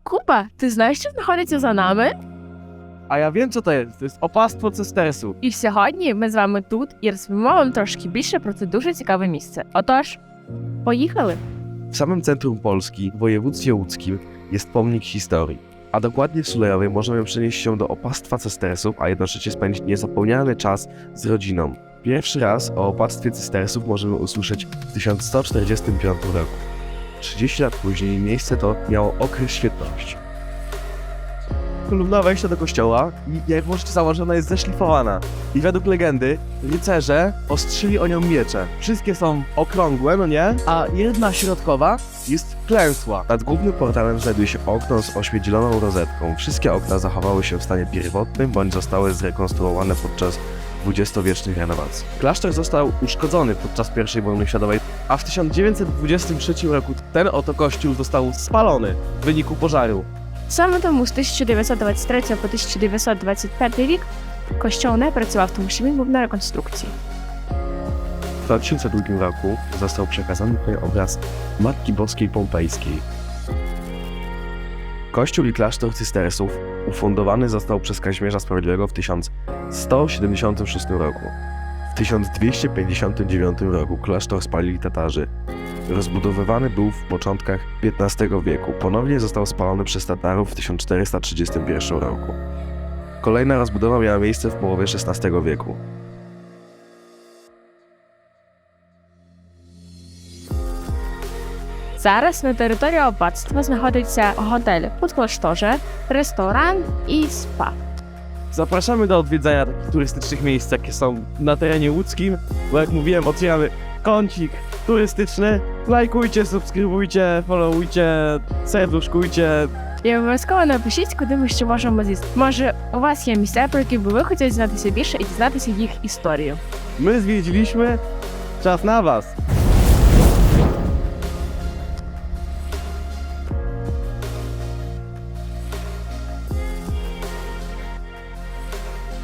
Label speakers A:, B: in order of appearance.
A: Kuba, ти знаєш, що знаходиться за нами?
B: A ja wiem, co to jest. To jest opactwo Cystersów.
A: І сьогодні ми з вами тут і розповімо вам трошки більше про це дуже цікаве місце. Отож, поїхали!
B: W samym centrum Polski, w województwie łódzkim, jest pomnik historii. A dokładnie w Sulejowie możemy przenieść się do opactwa Cystersów, a jednocześnie spędzić niezapomniany czas z rodziną. Pierwszy raz o opactwie Cystersów możemy usłyszeć w 1145 roku. 30 lat później miejsce to miało okres świetności. Kolumna wejścia do kościoła i jak możecie zauważyć, ona jest zeszlifowana. I według legendy rycerze ostrzyli o nią miecze. Wszystkie są okrągłe, no nie? A jedna środkowa jest klęsła. Nad głównym portalem znajduje się okno z oświetloną rozetką. Wszystkie okna zachowały się w stanie pierwotnym, bądź zostały zrekonstruowane podczas dwudziestowiecznych renowacji. Klasztor został uszkodzony podczas I wojny światowej, a w 1923 roku ten oto kościół został spalony w wyniku pożaru.
A: Саме тому з 1923 по 1925 рік костьол не працював, тому що він був на реконструкції.
B: W 2002 roku został przekazany tutaj obraz Matki Boskiej Pompejskiej. Kościół i klasztor Cystersów ufundowany został przez Kazimierza Sprawiedliwego w 1176 roku. W 1259 roku klasztor spalili Tatarzy. Rozbudowywany był w początkach XV wieku. Ponownie został spalony przez Tatarów w 1431 roku. Kolejna rozbudowa miała miejsce w połowie XVI wieku.
A: Зараз на території опатства знаходиться готель Podklasztorze, ресторан і спа.
B: Zapraszamy do odwiedzania takich turystycznych miejsc, jakie są na terenie łódzkim, bo jak mówiłem, otwieramy kącik turystyczny. Lajkujcie, subskrybujcie, followujcie, serduszkujcie.
A: І обов'язково напишіть, куди ми ще можемо з'їсти. Може, у вас є місця, про які би ви хотіли дізнатися більше і дізнатися їх історію.
B: My zwiedziliśmy, czas na was!